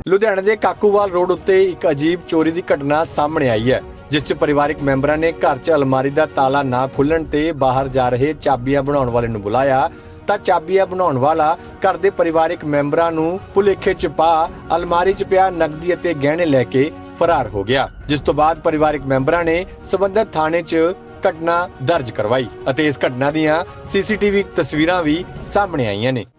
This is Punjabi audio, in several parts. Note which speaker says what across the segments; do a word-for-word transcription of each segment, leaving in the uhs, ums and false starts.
Speaker 1: ਲੁਧਿਆਣਾ ਦੇ ਕਾਕੂਵਾਲ ਰੋਡ ਉੱਤੇ ਇੱਕ ਅਜੀਬ ਚੋਰੀ ਦੀ ਘਟਨਾ ਸਾਹਮਣੇ ਆਈ ਹੈ, ਜਿਸ 'ਚ ਪਰਿਵਾਰਕ ਮੈਂਬਰਾਂ ਨੇ ਘਰ 'ਚ ਅਲਮਾਰੀ ਦਾ ਤਾਲਾ ਨਾ ਖੁੱਲਣ ਤੇ ਬਾਹਰ ਜਾ ਰਹੇ ਚਾਬੀਆਂ ਬਣਾਉਣ ਵਾਲੇ ਨੂੰ ਬੁਲਾਇਆ ਤਾਂ ਚਾਬੀਆਂ ਬਣਾਉਣ ਵਾਲਾ ਘਰ ਦੇ ਪਰਿਵਾਰਕ ਮੈਂਬਰਾਂ ਨੂੰ ਭੁਲੇਖੇ 'ਚ ਪਾ ਅਲਮਾਰੀ 'ਚ ਪਿਆ ਨਕਦੀ ਅਤੇ ਗਹਿਣੇ ਲੈ ਕੇ ਫਰਾਰ ਹੋ ਗਿਆ, ਜਿਸ ਤੋਂ ਬਾਅਦ ਪਰਿਵਾਰਕ ਮੈਂਬਰਾਂ ਨੇ ਸਬੰਧਤ ਥਾਣੇ 'ਚ ਘਟਨਾ ਦਰਜ ਕਰਵਾਈ ਅਤੇ ਇਸ ਘਟਨਾ ਦੀਆਂ ਸੀਸੀਟੀਵੀ ਤਸਵੀਰਾਂ ਵੀ ਸਾਹਮਣੇ ਆਈਆਂ ਨੇ।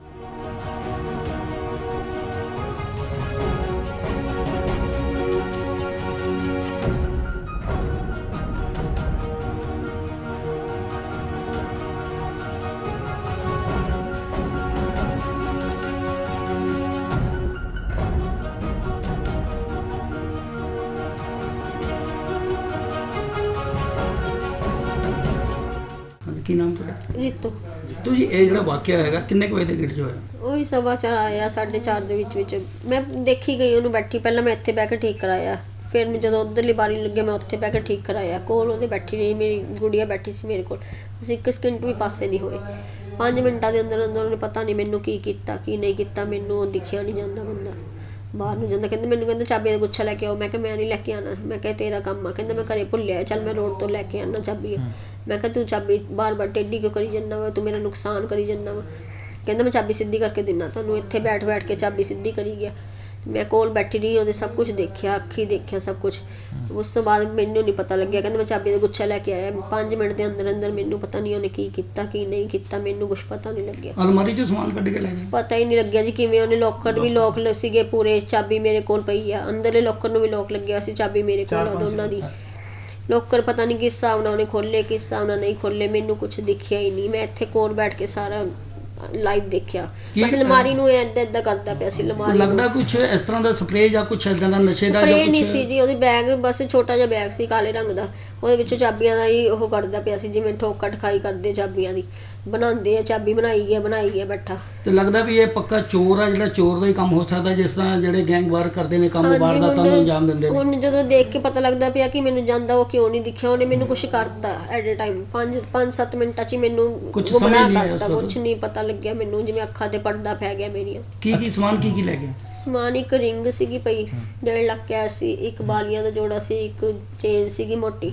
Speaker 2: ਕੀ ਨਾਮ ਤੁਹਾਡਾ?
Speaker 3: ਰੀਤੂ।
Speaker 2: ਤੋ ਜੀ ਇਹ ਜਿਹੜਾ ਵਾਕਿਆ ਹੈਗਾ ਕਿੰਨੇ ਕੁ ਵਜੇ ਦੇ ਗੇਟ 'ਚ ਹੋਇਆ?
Speaker 3: ਉਹੀ ਸਵਾ ਚਾਰ ਆਇਆ, ਸਾਢੇ ਚਾਰ ਦੇ ਵਿੱਚ ਵਿੱਚ ਮੈਂ ਦੇਖੀ ਗਈ ਉਹਨੂੰ ਬੈਠੀ। ਪਹਿਲਾਂ ਮੈਂ ਇੱਥੇ ਬਹਿ ਕੇ ਠੀਕ ਕਰਾਇਆ, ਫਿਰ ਮੈਂ ਜਦੋਂ ਉੱਧਰਲੀ ਬਾਰੀ ਲੱਗਿਆ ਮੈਂ ਉੱਥੇ ਬਹਿ ਕੇ ਠੀਕ ਕਰਾਇਆ। ਕੋਲ ਉਹਦੇ ਬੈਠੀ ਰਹੀ, ਮੇਰੀ ਗੁੜੀਆ ਬੈਠੀ ਸੀ ਮੇਰੇ ਕੋਲ। ਅਸੀਂ ਇੱਕ ਸਕਿੰਟ ਵੀ ਪਾਸੇ ਨਹੀਂ ਹੋਏ। ਪੰਜ ਮਿੰਟਾਂ ਦੇ ਅੰਦਰ ਅੰਦਰ ਉਹਨੇ ਪਤਾ ਨਹੀਂ ਮੈਨੂੰ ਕੀ ਕੀਤਾ ਕੀ ਨਹੀਂ ਕੀਤਾ, ਮੈਨੂੰ ਦਿਖਿਆ ਨਹੀਂ ਜਾਂਦਾ। ਬੰਦਾ ਬਾਹਰ ਨੂੰ ਜਾਂਦਾ, ਕਹਿੰਦੇ ਮੈਨੂੰ ਕਹਿੰਦਾ ਚਾਬੀ ਦਾ ਗੁੱਛਾ ਲੈ ਕੇ ਆਓ। ਮੈਂ ਕਿਹਾ ਮੈਂ ਨਹੀਂ ਲੈ ਕੇ ਆਉਣਾ। ਮੈਂ ਕਿਹਾ ਤੇਰਾ ਕੰਮ ਆ। ਕਹਿੰਦਾ ਮੈਂ ਘਰੇ ਭੁੱਲਿਆ, ਚੱਲ ਮੈਂ ਰੋਡ ਤੋਂ ਲੈ ਕੇ ਆਉਣਾ ਚਾਬੀ। ਮੈਂ ਕਿਹਾ ਤੂੰ ਚਾਬੀ ਬਾਰ ਬਾਰ ਟੇਢੀ ਕਿਉਂ ਕਰੀ ਜਾਂਦਾ ਵਾ, ਤੂੰ ਮੇਰਾ ਨੁਕਸਾਨ ਕਰੀ ਜਾਂਦਾ ਵਾ। ਕਹਿੰਦਾ ਮੈਂ ਚਾਬੀ ਸਿੱਧੀ ਕਰਕੇ ਦਿੰਦਾ ਤੁਹਾਨੂੰ। ਇੱਥੇ ਬੈਠ ਬੈਠ ਕੇ ਚਾਬੀ ਸਿੱਧੀ ਕਰੀ ਗਿਆ। ਮੈਂ ਕੋਲ ਬੈਠੀ ਰਹੀ, ਉਹਦੇ ਸਭ ਕੁਝ ਦੇਖਿਆ, ਅੱਖੀ ਦੇਖਿਆ ਸਭ ਕੁਝ। ਉਸ ਤੋਂ ਬਾਅਦ ਮੈਨੂੰ ਨਹੀਂ ਪਤਾ ਲੱਗਿਆ। ਕਹਿੰਦਾ ਮੈਂ ਚਾਬੀ ਦਾ ਗੁੱਛਾ ਲੈ ਕੇ ਆਇਆ। ਪੰਜ ਮਿੰਟ ਦੇ ਅੰਦਰ ਅੰਦਰ ਮੈਨੂੰ ਪਤਾ ਨਹੀਂ ਉਹਨੇ ਕੀ ਕੀਤਾ ਕੀ ਨਹੀਂ ਕੀਤਾ, ਮੈਨੂੰ ਕੁਛ ਪਤਾ ਨਹੀਂ ਲੱਗਿਆ।
Speaker 2: ਅਲਮਾਰੀ 'ਚੋਂ ਸਮਾਨ ਕੱਢ ਕੇ ਲੈ ਗਏ?
Speaker 3: ਪਤਾ ਹੀ ਨਹੀਂ ਲੱਗਿਆ ਜੀ ਕਿਵੇਂ। ਉਹਨੇ ਲੋਕਰ ਵੀ ਲੋਕ ਸੀਗੇ ਪੂਰੇ, ਚਾਬੀ ਮੇਰੇ ਕੋਲ ਪਈ ਆ। ਅੰਦਰਲੇ ਲੋਕਰ ਨੂੰ ਵੀ ਲੋਕ ਲੱਗਿਆ ਸੀ, ਚਾਬੀ ਮੇਰੇ ਕੋਲ ਆ ਦੋਨਾਂ ਦੀ। ਲੋਕਰ ਪਤਾ ਨਹੀਂ ਕਿਸ ਹਿਸਾਬ ਨਾਲ ਉਹਨੇ ਖੋਲੇ, ਕਿਸ ਹਿਸਾਬ ਨਾਲ ਨਹੀਂ ਖੋਲੇ, ਮੈਨੂੰ ਕੁਝ ਦਿਖਿਆ ਹੀ ਨਹੀਂ। ਮੈਂ ਇੱਥੇ ਕੋਲ ਬੈਠ ਕੇ ਸਾਰਾ ਲਾਈਵ ਦੇਖਿਆ। ਬਸ ਅਲਮਾਰੀ ਨੂੰ ਏਦਾਂ ਏਦਾਂ ਕਰਦਾ ਪਿਆ ਸੀ। ਅਲਮਾਰੀ
Speaker 2: ਲੱਗਦਾ ਕੁਝ ਇਸ ਤਰ੍ਹਾਂ ਦਾ ਸਪਰੇਅ ਜਾਂ ਕੁਝ ਇਦਾਂ ਦਾ ਨਸ਼ੇ ਦਾ
Speaker 3: ਸਪਰੇਅ ਨਹੀਂ ਸੀ ਜੀ, ਉਹਦੀ ਬੈਗ ਬਸ ਛੋਟਾ ਜਿਹਾ ਬੈਗ ਸੀ ਕਾਲੇ ਰੰਗ ਦਾ। ਉਹਦੇ ਵਿੱਚੋਂ ਚਾਬੀਆਂ ਦਾ ਹੀ ਉਹ ਕਰਦਾ ਪਿਆ ਸੀ, ਜਿਵੇਂ ਠੋਕਾ ਠਖਾਈ ਕਰਦੇ ਚਾਬੀਆਂ ਦੀ ਬਣਾਉਂਦੇ ਆ। ਚਾਬੀ ਬਣਾਈ ਗਿਆ ਬਣਾਈ ਗਿਆ ਬੈਠਾ। ਤੇ
Speaker 2: ਲੱਗਦਾ ਵੀ ਇਹ ਪੱਕਾ ਚੋਰ ਆ, ਜਿਹੜਾ ਚੋਰ ਦਾ ਹੀ ਕੰਮ ਹੋ ਸਕਦਾ, ਜਿਸ ਤਰ੍ਹਾਂ ਜਿਹੜੇ ਗੈਂਗ ਵਾਰ ਕਰਦੇ ਨੇ ਕੰਮ ਵਾਰਦਾਤਾਂ ਨੂੰ ਅੰਜਾਮ ਦਿੰਦੇ ਨੇ।
Speaker 3: ਹੁਣ ਜਦੋਂ ਦੇਖ ਕੇ ਪਤਾ ਲੱਗਦਾ ਪਿਆ ਕਿ ਮੈਨੂੰ ਜਾਂਦਾ ਉਹ ਕਿਉਂ ਨਹੀਂ ਦਿਖਿਆ। ਉਹਨੇ ਮੈਨੂੰ ਕੁਝ ਕਰਤਾ ਐਟ ਅ ਟਾਈਮ ਪੰਜ ਪੰਜ ਸੱਤ ਮਿੰਟਾਂ 'ਚ ਹੀ ਮੈਨੂੰ ਗੁੰਮਰਾਹ ਕਰਤਾ। ਕੁਝ ਨਹੀਂ ਪਤਾ ਲੱਗਿਆ ਮੈਨੂੰ, ਜਿਵੇਂ ਅੱਖਾਂ ਤੇ ਪਰਦਾ ਪੈ ਗਿਆ ਮੇਰੀਆਂ।
Speaker 2: ਕੀ ਕੀ ਸਮਾਨ ਕੀ ਕੀ ਲੈ ਗਿਆ?
Speaker 3: ਸਮਾਨ ਇੱਕ ਰਿੰਗ ਸੀਗੀ ਪਈ ਡੇਢ ਲੱਖ ਕੈਸ਼ ਸੀ, ਇੱਕ ਬਾਲੀਆਂ ਦਾ ਜੋੜਾ ਸੀ, ਇੱਕ ਚੇਨ ਸੀਗੀ ਮੋਟੀ।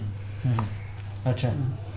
Speaker 4: ਅੱਛਾ।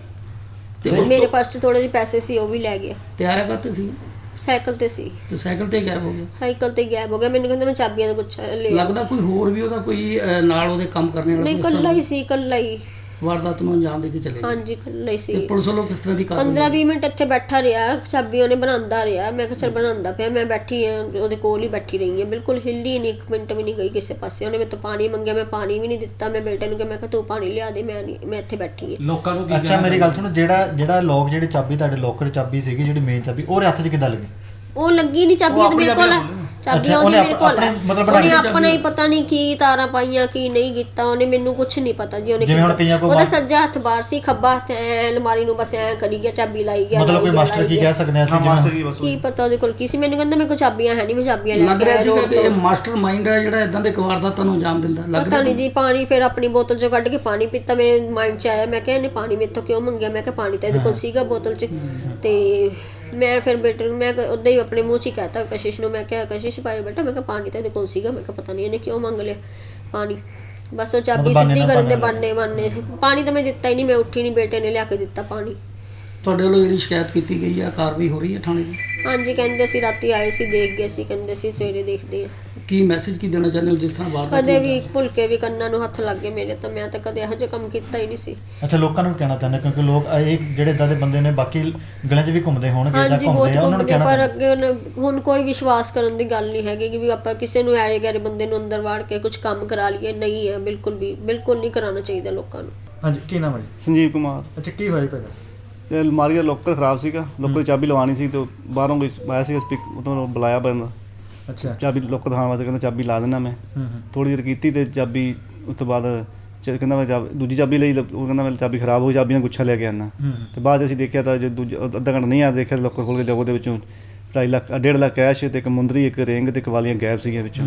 Speaker 3: ਤੇ ਮੇਰੇ ਪਰਸ 'ਚ ਥੋੜੇ ਜਿਹੇ ਪੈਸੇ ਸੀ, ਉਹ ਵੀ ਲੈ ਗਿਆ।
Speaker 2: ਤੇ ਆਇਆ ਕਾਹਤੇ ਸੀ?
Speaker 3: ਸਾਈਕਲ ਤੇ ਸੀ।
Speaker 2: ਤੇ ਸਾਈਕਲ ਤੇ ਗਾਇਬ ਹੋ ਗਿਆ?
Speaker 3: ਸਾਈਕਲ ਤੇ ਗਾਇਬ ਹੋ ਗਿਆ। ਮੈਨੂੰ ਕਹਿੰਦਾ ਮੈਂ ਚਾਬੀਆਂ ਦਾ ਗੁੱਛਾ ਲੈ।
Speaker 2: ਲੱਗਦਾ ਕੋਈ ਹੋਰ ਵੀ ਉਹਦਾ ਕੋਈ ਨਾਲ ਉਹਦੇ ਕੰਮ ਕਰਨੇ ਵਾਲਾ?
Speaker 3: ਨਹੀਂ, ਇਕੱਲਾ ਹੀ ਸੀ, ਇਕੱਲਾ ਹੀ
Speaker 2: ਵਾਰਦਾਤ ਨੂੰ ਅੰਜਾਮ ਦੇ ਕੇ ਚਲੇ ਗਏ?
Speaker 3: ਹਾਂਜੀ, ਇਕੱਲਾ ਹੀ ਸੀ।
Speaker 2: ਪੁਲਿਸ ਵੱਲੋਂ ਕਿਸ ਤਰ੍ਹਾਂ ਦੀ ਕਾਰਵਾਈ?
Speaker 3: ਪੰਦਰਾਂ ਵੀਹ ਮਿੰਟ ਇੱਥੇ ਬੈਠਾ ਰਿਹਾ, ਚਾਬੀ ਉਹਨੇ ਬਣਾਉਂਦਾ ਰਿਹਾ। ਮੈਂ ਕਿਹਾ ਚੱਲ ਬਣਾਉਂਦਾ ਪਿਆ, ਮੈਂ ਬੈਠੀ ਹਾਂ ਉਹਦੇ ਕੋਲ ਹੀ ਬੈਠੀ ਰਹੀ ਹਾਂ, ਬਿਲਕੁਲ ਹਿੱਲੀ ਨਹੀਂ, ਇੱਕ ਮਿੰਟ ਵੀ ਨਹੀਂ ਗਈ ਕਿਸੇ ਪਾਸੇ। ਉਹਨੇ ਮੇਰੇ ਤੋਂ ਪਾਣੀ ਮੰਗਿਆ, ਮੈਂ ਪਾਣੀ ਵੀ ਨਹੀਂ ਦਿੱਤਾ। ਮੈਂ ਬੇਟੇ ਨੂੰ ਕਿਹਾ, ਮੈਂ ਕਿਹਾ ਤੂੰ ਪਾਣੀ ਲਿਆ ਦੇ, ਮੈਂ ਨਹੀਂ, ਮੈਂ ਇੱਥੇ ਬੈਠੀ ਹਾਂ।
Speaker 4: ਲੋਕਾਂ ਨੂੰ ਅੱਛਾ ਮੇਰੀ ਗੱਲ ਸੁਣੋ, ਜਿਹੜਾ ਜਿਹੜਾ ਲੋਕ ਜਿਹੜੀ ਚਾਬੀ ਤੁਹਾਡੇ ਲੋਕਰ ਚਾਬੀ ਸੀਗੀ, ਜਿਹੜੀ ਮੇਨ ਚਾਬੀ, ਉਹਦੇ ਹੱਥ 'ਚ ਕਿੱਦਾਂ ਲੱਗੀ?
Speaker 3: ਉਹ ਲੱਗੀ ਨਹੀਂ ਚਾਬੀਆਂ ਤੇ ਮੇਰੇ ਕੋਲ, ਚਾਬੀਆਂ ਉਹਦੀ ਮੇਰੇ ਕੋਲ। ਉਹਨੇ ਆਪਣਾ ਹੀ ਪਤਾ ਨਹੀਂ ਕੀ ਤਾਰਾਂ ਪਾਈਆਂ ਕੀ ਨਹੀਂ ਕੀਤਾ। ਉਹਨੇ ਮੈਨੂੰ ਕੁਝ ਨਹੀਂ ਪਤਾ ਜੀ ਉਹਨੇ ਕੀਤਾ। ਉਹਦਾ ਸੱਜਾ ਹੱਥ ਬਾਹਰ ਸੀ, ਖੱਬਾ ਹੱਥ ਐ ਅਲਮਾਰੀ ਨੂੰ ਬਸ ਐ ਕਰੀ ਗਿਆ, ਚਾਬੀ ਲਾਈ ਗਿਆ।
Speaker 4: ਮਤਲਬ ਕੋਈ ਮਾਸਟਰ ਕੀ ਕਹਿ ਸਕਦੇ ਆ ਅਸੀਂ? ਮਾਸਟਰ ਕੀ ਬਸ
Speaker 3: ਕੀ ਪਤਾ ਉਹਦੇ ਕੋਲ ਕੀ ਸੀ। ਮੈਨੂੰ ਕਹਿੰਦਾ ਮੇਰੇ ਕੋਲ ਚਾਬੀਆਂ ਹੈ ਨਹੀਂ, ਮੈਂ ਚਾਬੀਆਂ ਲੈ ਕੇ ਆਇਆ ਰੋਡ ਤੋਂ।
Speaker 2: ਇਹ ਮਾਸਟਰ ਮਾਈਂਡ ਹੈ ਜਿਹੜਾ ਇਦਾਂ ਦੇ ਵਾਰਦਾਤਾਂ ਨੂੰ ਅੰਜਾਮ ਦਿੰਦਾ।
Speaker 3: ਪਤਾ ਨਹੀਂ ਜੀ। ਪਾਣੀ ਫਿਰ ਆਪਣੀ ਬੋਤਲ 'ਚੋਂ ਕੱਢ ਕੇ ਪਾਣੀ ਪੀਤਾ। ਮੇਰੇ ਮਾਈਂਡ 'ਚ ਆਇਆ, ਮੈਂ ਕਿਹਾ ਇਹਨੇ ਪਾਣੀ ਮੇਰੇ ਤੋਂ ਕਿਉਂ ਮੰਗਿਆ? ਮੈਂ ਕਿਹਾ ਪਾਣੀ ਤਾਂ ਇਹਦੇ ਕੋਲ ਸੀਗਾ ਬੋਤਲ 'ਚ। ਤੇ ਮੈਂ ਫਿਰ ਬੇਟੇ ਨੂੰ ਮੈਂ ਉੱਦਾਂ ਹੀ ਆਪਣੇ ਮੂੰਹ 'ਚ ਹੀ ਕਹਿਤਾ ਕਸ਼ਿਸ਼ ਨੂੰ। ਮੈਂ ਕਿਹਾ ਕਸ਼ਿਸ਼ ਭਾਈ ਬੇਟਾ, ਮੈਂ ਕਿਹਾ ਪਾਣੀ ਤਾਂ ਇਹਦੇ ਕੋਲ ਸੀਗਾ। ਮੈਂ ਕਿਹਾ ਪਤਾ ਨਹੀਂ ਇਹਨੇ ਕਿਉਂ ਮੰਗ ਲਿਆ ਪਾਣੀ। ਬਸ ਉਹ ਚਾਬੀ ਸਿੱਧੀ ਕਰਨ ਦੇ ਬਾਨੇ ਬਾਨੇ ਸੀ। ਪਾਣੀ ਤਾਂ ਮੈਂ ਦਿੱਤਾ ਹੀ ਨਹੀਂ, ਮੈਂ ਉੱਠੀ ਨਹੀਂ, ਬੇਟੇ ਨੇ ਲਿਆ ਕੇ ਦਿੱਤਾ ਪਾਣੀ।
Speaker 2: ਤੁਹਾਡੇ ਵੱਲੋਂ ਜਿਹੜੀ ਸ਼ਿਕਾਇਤ ਕੀਤੀ ਗਈ ਆ, ਕਾਰਵਾਈ ਹੋ ਰਹੀ ਹੈ ਥਾਣੇ ਦੀ?
Speaker 3: ਹਾਂਜੀ, ਕਹਿੰਦੇ ਸੀ ਰਾਤੀ ਆਏ ਸੀ, ਦੇਖ ਗਏ ਸੀ, ਕਹਿੰਦੇ ਸੀ ਸਵੇਰੇ ਦੇਖਦੇ ਆ।
Speaker 2: ਕੀ ਮੈਸੇਜ ਕੀ ਦੇਣਾ ਚਾਹੁੰਦੇ ਹੋ ਜਿਸ ਤਰ੍ਹਾਂ ਵਾਰਦਾਤ?
Speaker 3: ਕਦੇ ਵੀ ਭੁੱਲ ਕੇ ਵੀ ਕੰਨਾਂ ਨੂੰ ਹੱਥ ਲੱਗ ਗਏ ਮੇਰੇ, ਤਾਂ ਮੈਂ ਤਾਂ ਕਦੇ ਇਹੋ ਜਿਹਾ ਕੰਮ ਕੀਤਾ ਹੀ ਨਹੀਂ ਸੀ।
Speaker 4: ਅੱਛਾ, ਲੋਕਾਂ ਨੂੰ ਕਹਿਣਾ ਚਾਹੁੰਦੇ ਕਿਉਂਕਿ ਲੋਕ ਇਹ ਜਿਹੜੇ ਇਦਾਂ ਦੇ ਬੰਦੇ ਨੇ ਬਾਕੀ ਗਲੀਆਂ 'ਚ ਵੀ ਘੁੰਮਦੇ ਹੋਣਗੇ ਜਾਂ
Speaker 3: ਹਾਂਜੀ, ਬਹੁਤ
Speaker 4: ਘੁੰਮਦੇ ਆ, ਉਹਨਾਂ ਨੂੰ
Speaker 3: ਘੁੰਮਦੇ,
Speaker 4: ਕਹਿਣਾ
Speaker 3: ਪਰ ਅੱਗੇ ਹੁਣ ਕੋਈ ਵਿਸ਼ਵਾਸ ਕਰਨ ਦੀ ਗੱਲ ਨਹੀਂ ਹੈਗੀ ਕਿ ਵੀ ਆਪਾਂ ਕਿਸੇ ਨੂੰ ਐਰੇ ਗੈਰੇ ਬੰਦੇ ਨੂੰ ਅੰਦਰ ਵਾੜ ਕੇ ਕੁਝ ਕੰਮ ਕਰਾ ਲਈਏ। ਨਹੀਂ ਹੈ, ਬਿਲਕੁਲ ਵੀ ਬਿਲਕੁਲ ਨਹੀਂ ਕਰਾਉਣਾ ਚਾਹੀਦਾ ਲੋਕਾਂ ਨੂੰ।
Speaker 4: ਹਾਂਜੀ, ਕੀ ਨਾਮ ਹੈ ਜੀ?
Speaker 5: ਸੰਜੀਵ ਕੁਮਾਰ।
Speaker 4: ਅੱਛਾ, ਕੀ ਹੋਇਆ ਪਹਿਲਾਂ?
Speaker 5: ਤੇ ਅਲਮਾਰੀ ਦਾ ਲੋਕਰ ਖਰਾਬ ਸੀਗਾ, ਲੋਕਰ ਦੀ ਚਾਬੀ ਲਵਾਉਣੀ ਸੀ ਤੇ ਬਾਹਰੋਂ ਕੋਈ ਆਇਆ ਸੀ, ਸਪੀਕ ਤੋਂ ਬੁਲਾਇਆ ਬੰਦਾ।
Speaker 4: ਅੱਛਾ।
Speaker 5: ਚਾਬੀ ਲੋਕਰ ਦਿਖਾਉਣ ਵਾਸਤੇ ਕਹਿੰਦਾ ਚਾਬੀ ਲਾ ਦੇਣਾ ਮੈਂ। ਥੋੜ੍ਹੀ ਦੇਰ ਕੀਤੀ ਤੇ ਚਾਬੀ ਉਸ ਤੋਂ ਬਾਅਦ ਕਹਿੰਦਾ ਮੈਂ ਦੂਜੀ ਚਾਬੀ ਲਈ। ਉਹ ਕਹਿੰਦਾ ਮੈਂ ਚਾਬੀ ਖਰਾਬ ਹੋ ਗਈ, ਚਾਬੀ ਨਾਲ ਗੁੱਛਾ ਲੈ ਕੇ ਆਉਣਾ। ਤੇ ਬਾਅਦ 'ਚ ਅਸੀਂ ਦੇਖਿਆ ਤਾਂ ਜੋ ਦੂਜਾ ਅੱਧਾ ਘੰਟਾ ਨਹੀਂ ਆ ਦੇਖਿਆ, ਲੋਕਰ ਖੋਲ੍ਹ ਕੇ ਉਹਦੇ ਵਿੱਚੋਂ ਢਾਈ ਲੱਖ ਡੇਢ ਲੱਖ ਕੈਸ਼ ਤੇ ਇੱਕ ਮੁੰਦਰੀ, ਇੱਕ ਰਿੰਗ ਤੇ ਇੱਕ ਵਾਲੀਆਂ ਗਾਇਬ ਸੀਗੀਆਂ ਵਿੱਚੋਂ।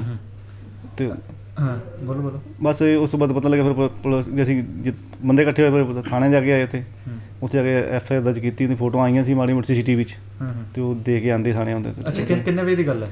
Speaker 5: ਤੇ
Speaker 4: ਹਾਂ, ਬੋਲੋ ਬੋਲੋ।
Speaker 5: ਬਸ ਉਸ ਤੋਂ ਬਾਅਦ ਪਤਾ ਲੱਗਿਆ, ਫਿਰ ਪੁਲਿਸ ਅਸੀਂ ਬੰਦੇ ਇਕੱਠੇ ਹੋਏ, ਫਿਰ ਥਾਣੇ ਜਾ ਕੇ ਆਏ। ਉੱਥੇ ਉੱਥੇ ਜਾ ਕੇ ਐਫ ਆਈ ਆਰ ਦਰਜ ਕੀਤੀ। ਉਹਦੀ ਫੋਟੋਆਂ ਆਈਆਂ ਸੀ ਮਾੜੀ ਮੋਟੀ ਸੀ ਸੀ ਟੀ ਵੀ 'ਚ, ਤੇ ਉਹ ਦੇ ਕੇ ਆਉਂਦੇ ਥਾਣੇ ਆਉਂਦੇ।
Speaker 4: ਅੱਛਾ, ਕਿੰਨੇ ਵਜੇ ਦੀ ਗੱਲ ਹੈ?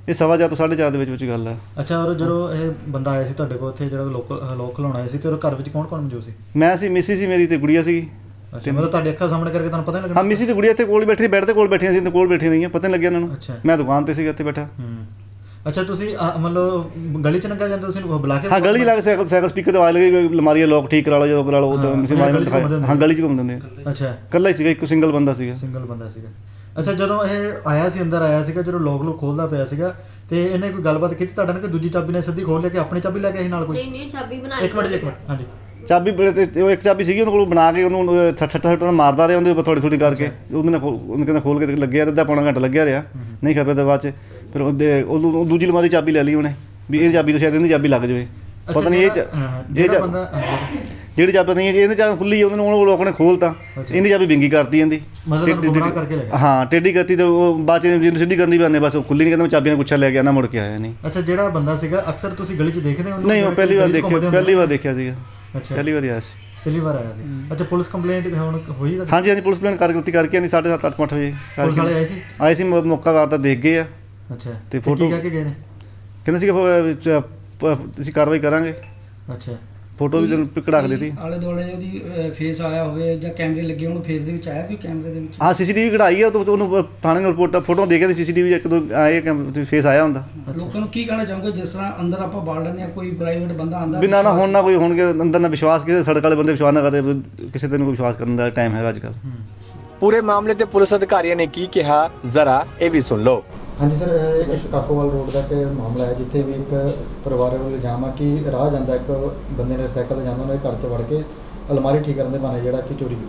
Speaker 5: ਇਹ ਸਵਾ ਚਾਰ ਤੋਂ ਸਾਢੇ ਚਾਰ ਦੇ ਵਿੱਚ ਵਿੱਚ ਗੱਲ ਹੈ।
Speaker 4: ਅੱਛਾ, ਔਰ ਜਦੋਂ ਇਹ ਬੰਦਾ ਆਇਆ ਸੀ ਤੁਹਾਡੇ ਕੋਲ ਉੱਥੇ ਜਿਹੜਾ ਲੋਕ ਲੋਕ ਖਲਾਉਣ ਆਇਆ ਸੀ ਤੇ ਉਹ ਘਰ ਵਿੱਚ ਕੌਣ ਕੌਣ ਮੌਜੂਦ ਸੀ?
Speaker 5: ਮੈਂ ਸੀ, ਮਿਸੀ ਸੀ ਮੇਰੀ ਤੇ ਗੁੜੀਆ ਸੀਗੀ।
Speaker 4: ਅੱਛਾ, ਮਤਲਬ ਤੁਹਾਡੀ ਅੱਖਾਂ ਸਾਹਮਣੇ ਕਰਕੇ ਤੁਹਾਨੂੰ ਪਤਾ ਨਹੀਂ ਲੱਗਣਾ?
Speaker 5: ਹਾਂ, ਮਿਸੀ ਤੇ ਗੁੜੀਆ ਇੱਥੇ ਕੋਲ ਬੈਠੀ, ਬੈੱਡ ਤੇ ਕੋਲ ਬੈਠੀਆਂ ਸੀ ਤੇ ਕੋਲ ਬੈਠੀਆਂ ਰਹੀਆਂ, ਪਤਾ ਨਹੀਂ ਲੱਗਿਆ ਇਹਨਾਂ ਨੂੰ।
Speaker 4: ਅੱਛਾ।
Speaker 5: ਮੈਂ ਦੁਕਾਨ ਤੇ ਸੀਗਾ ਇੱਥੇ ਬੈਠਾ।
Speaker 4: ਹੂੰ। ਅੱਛਾ, ਤੁਸੀਂ ਅਹ, ਮਤਲਬ ਗਲੀ ਚ ਲੰਘਿਆ ਜਾਂਦੇ ਤੁਸੀਂ ਬੁਲਾ ਕੇ?
Speaker 5: ਹਾਂ, ਗਲੀ ਲੱਗ ਸਾਈਕਲ ਸਾਈਕਲ ਸਪੀਕਰ ਤੇ ਆਵਾਜ਼ ਲੱਗੀ, ਅਲਮਾਰੀ ਲੋਕ ਠੀਕ ਕਰਾ ਲਓ, ਜੋ ਕਰਾ ਲਓ, ਉਹ ਤਾਂ ਮਿਸੀ ਮਾਈ ਨੂੰ ਦਿਖਾਇਆ। ਹਾਂ, ਗਲੀ 'ਚ ਘੁੰਮਦੇ ਹੁੰਦੇ।
Speaker 4: ਅੱਛਾ,
Speaker 5: ਇਕੱਲਾ ਹੀ ਸੀਗਾ, ਇੱਕ ਸਿੰਗਲ ਬੰਦਾ ਸੀਗਾ।
Speaker 4: ਸਿੰਗਲ ਬੰਦਾ ਸੀਗਾ। ਅੱਛਾ, ਜਦੋਂ ਇਹ ਆਇਆ ਸੀ, ਅੰਦਰ ਆਇਆ ਸੀਗਾ, ਜਦੋਂ ਲੋਕ ਲੋਕ ਖੋਲਦਾ ਪਿਆ ਸੀਗਾ ਤੇ ਇਹਨੇ ਕੋਈ ਗੱਲਬਾਤ ਕੀਤੀ ਤੁਹਾਡੇ ਨਾਲ ਕਿ ਦੂਜੀ ਚਾਬੀ ਨੇ ਸਿੱਧੀ ਖੋਲ ਲਿਆ ਕਿ ਆਪਣੀ ਚਾਬੀ ਲੈ ਕੇ ਆਈ ਨਾਲ ਕੋਈ?
Speaker 3: ਨਹੀਂ ਨਹੀਂ ਚਾਬੀ ਬਣਾ
Speaker 4: ਇੱਕ ਮਿੰਟ ਜੀ, ਇੱਕ ਮਿੰਟ। ਹਾਂਜੀ।
Speaker 5: ਚਾਬੀ ਬੜੇ ਤੇ ਉਹ ਇੱਕ ਚਾਬੀ ਸੀਗੀ ਉਹਨੂੰ ਕੋਲ ਬਣਾ ਕੇ ਉਹਨੂੰ ਛੱਟ ਛੱਟ ਛੱਟ ਮਾਰਦਾ ਰਿਹਾ ਉਹਦੇ ਉੱਪਰ ਥੋੜੀ ਥੋੜੀ ਕਰਕੇ। ਉਹਦੇ ਨਾਲ ਖੋਲ- ਉਹਨੂੰ ਕਹਿੰਦਾ ਖੋਲ ਕੇ ਲੱਗਿਆ, ਅੱਧਾ ਪੌਣਾ ਘੰਟਾ ਲੱਗਿਆ ਰਿਹਾ, ਨਹੀਂ ਖਪਿਆ ਤਾਂ ਬਾਅਦ 'ਚ ਫਿਰ ਉਹਦੇ ਉਹ ਦੂਜੀ ਅਲਮਾਰੀ ਚਾਬੀ ਲੈ ਲਈ ਉਹਨੇ ਵੀ ਇਹ ਚਾਬੀ ਤੋਂ ਸ਼ਾਇਦ ਇਹਦੀ ਚਾਬੀ ਲੱਗ ਜਾਵੇ। ਪਤਾ ਨਹੀਂ ਇਹ ਚ- ਇਹ ਚ-
Speaker 4: ਬੰਦਾ
Speaker 5: ਜਿਹੜੀ ਚਾਬੀ ਨਹੀਂ ਇਹਦੇ ਚਾਬੀ ਖੁੱਲੀ ਉਹਨੂੰ ਉਹ ਲੋਕ ਨੇ ਖੋਲਤਾ, ਇਹਦੀ ਚਾਬੀ ਵਿੰਗੀ ਕਰਤੀ ਇਹਦੀ,
Speaker 4: ਮਤਲਬ ਗੁੰਮਰਾਹ ਕਰਕੇ ਲੈ ਗਿਆ।
Speaker 5: ਹਾਂ ਟੇਢੀ ਕਰਤੀ ਤੇ ਉਹ ਬਾਅਦ 'ਚ ਜਿਹਨੂੰ ਸਿੱਧੀ ਕਰਨੀ ਪੈਂਦੀ, ਬਸ ਉਹ ਖੁੱਲੀ ਨਹੀਂ, ਕਹਿੰਦਾ ਮੈਂ ਚਾਬੀਆਂ ਗੁੱਛਾ ਲੈ ਕੇ ਆਣਾ, ਮੁੜ ਕੇ ਆਇਆ ਨਹੀਂ।
Speaker 4: ਅੱਛਾ, ਜਿਹੜਾ ਬੰਦਾ ਸੀਗਾ ਅਕਸਰ ਤੁਸੀਂ ਗਲੀ 'ਚ ਦੇਖਦੇ ਹੋ?
Speaker 5: ਨਹੀਂ, ਉਹ ਪਹਿਲੀ ਵਾਰ ਦੇਖਿਆ, ਪਹਿਲੀ ਵਾਰ ਦੇਖਿਆ ਸੀਗਾ,
Speaker 4: ਅੱਛਾ,
Speaker 5: ਪਹਿਲੀ ਵਾਰ ਆਇਆ ਸੀ।
Speaker 4: ਪਹਿਲੀ ਵਾਰ ਆਇਆ ਸੀ। ਅੱਛਾ, ਪੁਲਿਸ ਕੰਪਲੇਂਟ ਹੁਣ ਹੋਈ ਤੁਹਾਡੀ?
Speaker 5: ਹਾਂਜੀ ਹਾਂਜੀ, ਪੁਲਿਸ ਪਲਾਨ ਕਰਕੇ ਕਰਕੇ ਆਂਦੀ ਸਾਢੇ ਸੱਤ ਅੱਠ ਅੱਠ ਵਜੇ
Speaker 4: ਪੁਲਿਸ ਵਾਲੇ ਆਏ ਸੀ?
Speaker 5: ਆਏ ਸੀ, ਮੌ- ਮੌਕਾ ਵਾਰ ਤਾਂ ਦੇਖ ਗਏ ਆ
Speaker 4: ਅੱਛਾ,
Speaker 5: ਤੇ
Speaker 4: ਕੀ
Speaker 5: ਫੋਟੋ
Speaker 4: ਕਹਿ ਕੇ ਗਏ ਨੇ?
Speaker 5: ਕਹਿੰਦੇ ਸੀ ਅਸੀਂ ਕਾਰਵਾਈ ਕਰਾਂਗੇ,
Speaker 4: ਅੱਛਾ,
Speaker 5: ਫੋਟੋ ਵੀ ਕਢਾ ਕੇ ਦਿੱਤੀ।
Speaker 2: ਆਲੇ ਦੁਆਲੇ ਉਹਦੀ ਫੇਸ ਆਇਆ ਹੋਵੇ ਜਾਂ ਕੈਮਰੇ ਲੱਗੇ ਹੋਣ, ਫੇਸ ਦੇ ਵਿੱਚ ਆਇਆ ਕੋਈ ਕੈਮਰੇ ਦੇ ਵਿੱਚ?
Speaker 5: ਹਾਂ, ਸੀਸੀਟੀਵੀ ਕਢਾਈ ਆ, ਤੇ ਉਹਨੂੰ ਥਾਣੇ ਨੂੰ ਰਿਪੋਰਟ ਫੋਟੋ ਦੇ ਕੇ ਸੀਸੀਟੀਵੀ ਇੱਕ ਦੋ ਆਏ ਫੇਸ ਆਇਆ ਹੁੰਦਾ।
Speaker 2: ਲੋਕਾਂ ਨੂੰ ਕੀ ਕਹਿਣਾ ਚਾਹੋਗੇ ਜਿਸ ਤਰ੍ਹਾਂ ਅੰਦਰ ਆਪਾਂ ਬਾੜ ਲੈਂਦੇ ਹਾਂ, ਕੋਈ ਪ੍ਰਾਈਵੇਟ ਬੰਦਾ ਆਂਦਾ
Speaker 5: ਬਿਨਾਂ ਨਾ ਹੁਣ ਨਾ ਕੋਈ ਹੋਣਗੇ ਅੰਦਰ ਨਾ ਵਿਸ਼ਵਾਸ, ਕਿਸੇ ਸੜਕ ਵਾਲੇ ਬੰਦੇ ਵਿਸ਼ਵਾਸ ਨਾ ਕਰਦੇ, ਕਿਸੇ ਤੇ ਨੂੰ ਕੋਈ ਵਿਸ਼ਵਾਸ ਕਰਨ ਦਾ ਟਾਈਮ ਹੈਗਾ ਅੱਜ ਕੱਲ੍ਹ।
Speaker 1: ਪੂਰੇ ਮਾਮਲੇ ਤੇ ਪੁਲਿਸ ਅਧਿਕਾਰੀਆਂ ਨੇ ਕੀ ਕਿਹਾ, ਜ਼ਰਾ ਇਹ ਵੀ ਸੁਣ ਲਓ।
Speaker 4: ਹਾਂਜੀ ਸਰ, ਇਹ ਇੱਕ ਕਾਕੋਵਾਲ ਰੋਡ ਦਾ ਇੱਕ ਮਾਮਲਾ ਹੈ ਜਿੱਥੇ ਵੀ ਇੱਕ ਪਰਿਵਾਰ ਵੱਲੋਂ ਇਲਜ਼ਾਮ ਆ ਕਿ ਰਾਹ ਜਾਂਦਾ ਇੱਕ ਬੰਦੇ ਨੇ ਸਾਈਕਲ ਤੇ ਜਾਂਦਾ, ਉਹਨੇ ਘਰ 'ਚ ਵੜ ਕੇ ਅਲਮਾਰੀ ਠੀਕ ਕਰਨ ਦੇ ਬਹਾਨੇ ਜਿਹੜਾ ਕਿ ਚੋਰੀ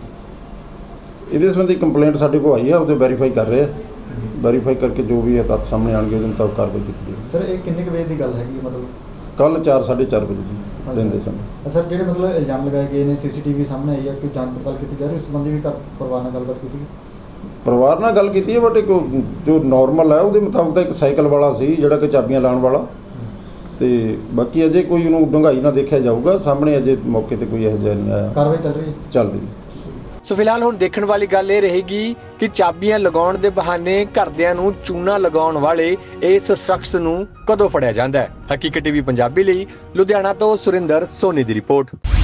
Speaker 4: ਕੀਤੀ।
Speaker 6: ਇਹਦੇ ਸੰਬੰਧੀ ਕੰਪਲੇਂਟ ਸਾਡੇ ਕੋਲ ਆਈ ਆ, ਉਹਦੇ ਵੈਰੀਫਾਈ ਕਰ ਰਹੇ ਆ, ਵੈਰੀਫਾਈ ਕਰਕੇ ਜੋ ਵੀ ਹੈ ਤੱਥ ਸਾਹਮਣੇ ਆਉਣਗੇ ਉਹਦੇ ਮੁਤਾਬਕ ਕਾਰਵਾਈ ਕੀਤੀ ਜਾਵੇਗੀ।
Speaker 4: ਸਰ, ਇਹ ਕਿੰਨੇ ਕੁ ਵਜੇ ਦੀ ਗੱਲ ਹੈਗੀ? ਮਤਲਬ
Speaker 6: ਕੱਲ੍ਹ ਚਾਰ ਸਾਢੇ ਚਾਰ ਵਜੇ ਦੀ ਦਿਨ ਦੇ ਸਮੇਂ।
Speaker 4: ਸਰ, ਜਿਹੜੇ ਮਤਲਬ ਇਲਜ਼ਾਮ ਲਗਾਏ ਗਏ ਨੇ, ਸੀਸੀਟੀਵੀ ਸਾਹਮਣੇ ਆਈ ਹੈ ਕਿ ਜਾਂਚ ਪੜਤਾਲ ਕੀਤੀ ਜਾ ਰਹੀ, ਉਸ ਸੰਬੰਧੀ ਵੀ ਘਰ ਪਰਿਵਾਰ ਨਾਲ ਗੱਲਬਾਤ ਕੀਤੀ ਗਈ?
Speaker 6: ਪਰਿਵਾਰ ਨਾਲ ਗੱਲ ਕੀਤੀ ਹੈ, ਬਟ ਇੱਕ ਜੋ ਨੋਰਮਲ ਹੈ ਉਹਦੇ ਮੁਤਾਬਕ ਤਾਂ ਇੱਕ ਸਾਈਕਲ ਵਾਲਾ ਸੀ ਜਿਹੜਾ ਕਿ ਚਾਬੀਆਂ ਲਾਉਣ ਵਾਲਾ, ਤੇ ਬਾਕੀ ਅਜੇ ਕੋਈ ਉਹਨੂੰ ਡੂੰਘਾਈ ਨਾਲ ਦੇਖਿਆ ਜਾਊਗਾ, ਸਾਹਮਣੇ ਅਜੇ ਮੌਕੇ ਤੇ ਕੋਈ ਇਹੋ ਜਿਹਾ ਨਹੀਂ ਆਇਆ।
Speaker 4: ਕਾਰਵਾਈ ਚੱਲ ਰਹੀ ਹੈ?
Speaker 6: ਚੱਲ ਰਹੀ ਹੈ।
Speaker 1: ਸੋ ਫਿਲਹਾਲ ਹੁਣ ਦੇਖਣ ਵਾਲੀ ਗੱਲ ਇਹ ਰਹੇਗੀ ਕਿ ਚਾਬੀਆਂ ਲਗਾਉਣ ਦੇ ਬਹਾਨੇ ਘਰਦਿਆਂ ਨੂੰ ਚੂਨਾ ਲਗਾਉਣ ਵਾਲੇ ਇਸ ਸ਼ਖਸ ਨੂੰ ਕਦੋਂ ਫੜਿਆ ਜਾਂਦਾ ਹੈ। ਹਕੀਕਤ ਟੀਵੀ ਪੰਜਾਬੀ ਲਈ ਲੁਧਿਆਣਾ ਤੋਂ ਸੁਰਿੰਦਰ ਸੋਨੀ ਦੀ ਰਿਪੋਰਟ।